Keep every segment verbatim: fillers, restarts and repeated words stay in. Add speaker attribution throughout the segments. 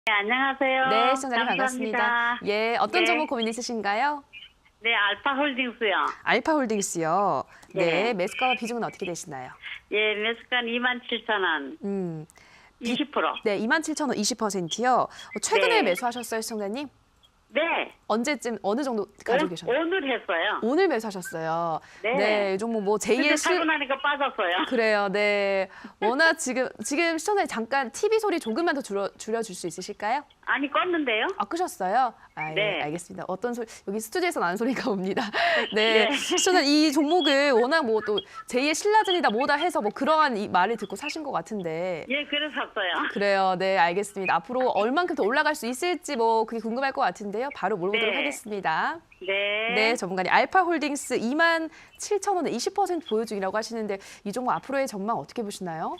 Speaker 1: 네, 안녕하세요.
Speaker 2: 네, 시청자님
Speaker 1: 감사합니다.
Speaker 2: 반갑습니다. 예, 어떤
Speaker 1: 네.
Speaker 2: 종목 고민 있으신가요?
Speaker 1: 네, 알파홀딩스요.
Speaker 2: 알파홀딩스요. 네,
Speaker 1: 네.
Speaker 2: 매수가와 비중은 어떻게 되시나요?
Speaker 1: 예, 매수가는 이만 칠천 원,
Speaker 2: 음, 비-
Speaker 1: 이십 퍼센트.
Speaker 2: 네, 이만 칠천 원 이십 퍼센트요. 최근에
Speaker 1: 네.
Speaker 2: 매수하셨어요, 시청자님?
Speaker 1: 네.
Speaker 2: 언제쯤 어느 정도 가지고
Speaker 1: 오,
Speaker 2: 계셨나요?
Speaker 1: 오늘 했어요.
Speaker 2: 오늘 매수하셨어요.
Speaker 1: 네.
Speaker 2: 네, 이 종목 뭐
Speaker 1: 근데
Speaker 2: 제이의
Speaker 1: 사고
Speaker 2: 실
Speaker 1: 나니까 빠졌어요.
Speaker 2: 그래요. 네. 워낙 지금 지금 시청자님 잠깐 티비 소리 조금만 더 줄여 줄여줄 수 있으실까요?
Speaker 1: 아니, 껐는데요?
Speaker 2: 아, 끄셨어요? 아, 예,
Speaker 1: 네.
Speaker 2: 알겠습니다. 어떤 소리, 여기 스튜디오에서 나는 소리가 옵니다. 네.
Speaker 1: 예.
Speaker 2: 저는 이 종목을 워낙 뭐 또 제이의 신라젠이다 뭐다 해서 뭐 그러한 이 말을 듣고 사신 것 같은데.
Speaker 1: 예, 그래서 샀어요.
Speaker 2: 그래요. 네, 알겠습니다. 앞으로 얼만큼 더 올라갈 수 있을지 뭐 그게 궁금할 것 같은데요. 바로 물어보도록
Speaker 1: 네.
Speaker 2: 하겠습니다.
Speaker 1: 네.
Speaker 2: 네, 전문가님. 알파홀딩스 이만 칠천 원에 이십 퍼센트 보유 중이라고 하시는데 이 종목 앞으로의 전망 어떻게 보시나요?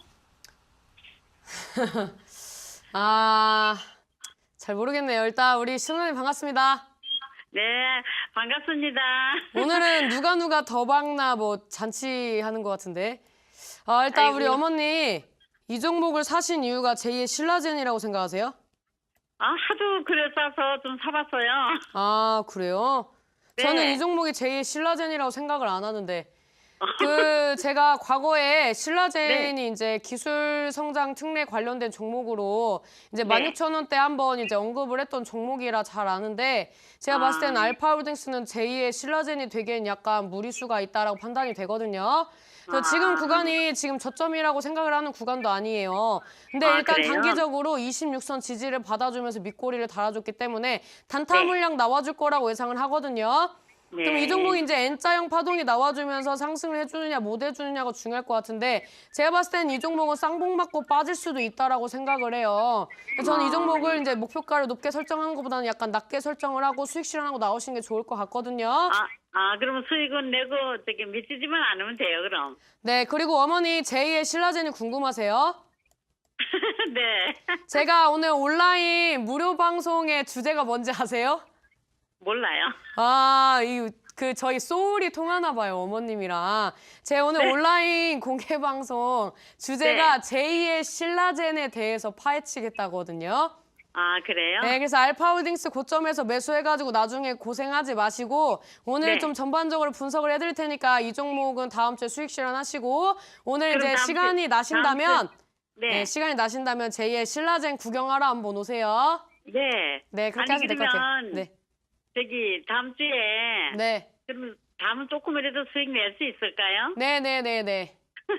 Speaker 3: 아, 잘 모르겠네요. 일단 우리 신원님 반갑습니다.
Speaker 1: 네, 반갑습니다.
Speaker 3: 오늘은 누가 누가 더 박나 뭐 잔치하는 것 같은데. 아, 일단
Speaker 1: 아이고.
Speaker 3: 우리 어머니 이 종목을 사신 이유가 제이의 신라젠이라고 생각하세요?
Speaker 1: 아, 하도 그랬어서 좀 사봤어요.
Speaker 3: 아, 그래요?
Speaker 1: 네.
Speaker 3: 저는 이 종목이 제이의 신라젠이라고 생각을 안 하는데 그 제가 과거에 신라젠이
Speaker 1: 네.
Speaker 3: 이제 기술 성장 특례 관련된 종목으로 이제
Speaker 1: 네.
Speaker 3: 만 육천 원대 한번 이제 언급을 했던 종목이라 잘 아는데 제가 봤을 때는
Speaker 1: 아.
Speaker 3: 알파홀딩스는 제이의 신라젠이 되기엔 약간 무리수가 있다라고 판단이 되거든요. 그래서
Speaker 1: 아.
Speaker 3: 지금 구간이 지금 저점이라고 생각을 하는 구간도 아니에요. 근데
Speaker 1: 아,
Speaker 3: 일단
Speaker 1: 그래요?
Speaker 3: 단기적으로 이십육 선 지지를 받아주면서 밑꼬리를 달아줬기 때문에 단타
Speaker 1: 네.
Speaker 3: 물량 나와줄 거라고 예상을 하거든요.
Speaker 1: 네.
Speaker 3: 그럼 이 종목이 이제 N자형 파동이 나와주면서 상승을 해주느냐 못 해주느냐가 중요할 것 같은데 제가 봤을 때는 이 종목은 쌍봉 맞고 빠질 수도 있다라고 생각을 해요. 그래서 저는 이 종목을 이제 목표가를 높게 설정하는 것보다는 약간 낮게 설정을 하고 수익 실현하고 나오시는 게 좋을 것 같거든요.
Speaker 1: 아, 아, 그러면 수익은 내고 저기 미치지만 않으면 돼요, 그럼.
Speaker 3: 네, 그리고 어머니 제이의 신라젠이 궁금하세요?
Speaker 1: 네.
Speaker 3: 제가 오늘 온라인 무료 방송의 주제가 뭔지 아세요?
Speaker 1: 몰라요.
Speaker 3: 아, 이 그 저희 소울이 통하나 봐요, 어머님이랑. 제 오늘
Speaker 1: 네.
Speaker 3: 온라인 공개 방송 주제가 제이의 신라젠에 대해서 파헤치겠다거든요.
Speaker 1: 아, 그래요?
Speaker 3: 네, 그래서 알파홀딩스 고점에서 매수해가지고 나중에 고생하지 마시고 오늘
Speaker 1: 네.
Speaker 3: 좀 전반적으로 분석을 해드릴 테니까 이 종목은 다음 주에 수익 실현하시고 오늘
Speaker 1: 그럼
Speaker 3: 이제
Speaker 1: 다음 주-
Speaker 3: 시간이 나신다면
Speaker 1: 다음 네.
Speaker 3: 네, 시간이 나신다면 제이의 신라젠 구경하러 한번 오세요.
Speaker 1: 네.
Speaker 3: 네, 그렇게
Speaker 1: 아니,
Speaker 3: 하시면 될 것 같아요.
Speaker 1: 그러면
Speaker 3: 네,
Speaker 1: 저기 다음 주에
Speaker 3: 네,
Speaker 1: 그럼 다음은 조금이라도 수익 낼 수 있을까요?
Speaker 3: 네, 네, 네, 네.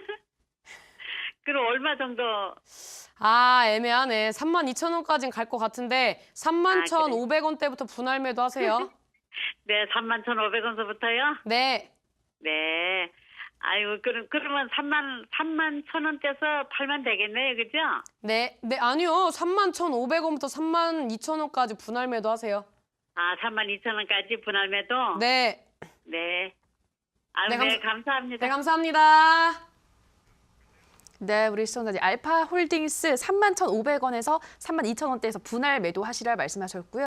Speaker 1: 그럼 얼마 정도?
Speaker 3: 아, 애매하네. 삼만 이천 원까지는 갈 것 같은데 삼만
Speaker 1: 아,
Speaker 3: 천오백 원대부터 분할 매도 하세요.
Speaker 1: 네, 삼만 천오백 원서부터요?
Speaker 3: 네.
Speaker 1: 네. 아이고, 그럼, 그러면 삼만, 삼만 천 원대에서 팔면 되겠네요, 그죠?
Speaker 3: 네. 네, 아니요. 삼만 천오백 원부터 삼만 이천 원까지 분할 매도 하세요.
Speaker 1: 아, 삼만 이천 원까지 분할 매도?
Speaker 3: 네.
Speaker 1: 네. 아유,
Speaker 3: 네,
Speaker 1: 네,
Speaker 3: 감사-
Speaker 1: 감사합니다.
Speaker 3: 네, 감사합니다.
Speaker 2: 네, 우리 시청자님. 알파홀딩스 삼만 천오백 원에서 삼만 이천 원대에서 분할 매도하시라 말씀하셨고요.